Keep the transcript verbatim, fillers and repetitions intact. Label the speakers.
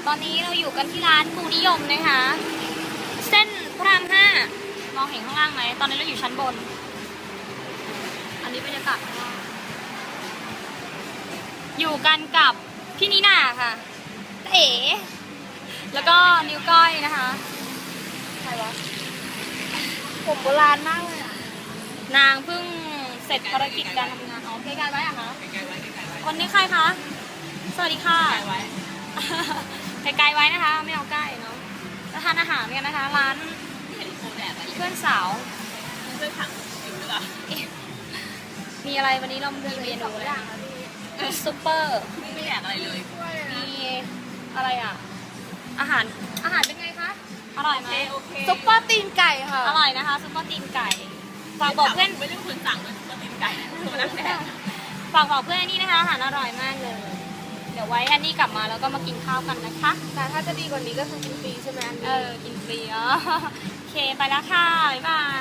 Speaker 1: ตอนนี้เราอยู่กันที่ร้านกูนิยมนะคะ เส้นพระรามห้ามองเห็นข้างล่างไหมตอนนี้เราอยู่ชั้นบน อันนี้บรรยากาศข้างล่างอยู่กันกับพี่นีน่าค่ะเอ๋แล้วก็นิ้วก้อยนะคะใครวะ
Speaker 2: ผมโบราณมากเลยอะ
Speaker 1: นางเพิ่งเสร็จภารกิจการทำงานอ๋อใกล้ๆไว้อะคะคนนี้ใครคะสวัสดีค่ะไกลๆไว้นะคะ ไม่เอาใกล้เนาะแล้วทานอาหารกันนะคะ ร้านเพื่อนสาวเพื่อนถังมีอะไรวันนี้เรามีเมนูอะไรซุปเปอร์ไม่แดกอะไรเลยมีอะไรอ่ะอาหารอาหารเป็นไงคะอร่อยไหม
Speaker 2: ซุปเปอร์ตีนไก่ค่ะ
Speaker 1: อร่อยนะคะซุปเปอร์ตีนไก่ฝากบอกเพื่อน
Speaker 3: ไม่ได้เป็นคนสั่งเลยซุปเปอร์ตีนไก่ตัวนั้นแหละ
Speaker 1: ฝากบอกเพื่อนอันนี้นะคะอาหารอร่อยมากเลย เดี๋ยวไว้อันนี้กลับมาแล้วก็มากินข้าวกันนะคะ
Speaker 2: แต่ถ้าจะดีกว่านี้ก็คือกินฟรีใช่ไหมอัน
Speaker 1: เอ
Speaker 2: นี้
Speaker 1: อกินฟรีอ๋อโอเคไปแล้วค่ะบ๊ายบาย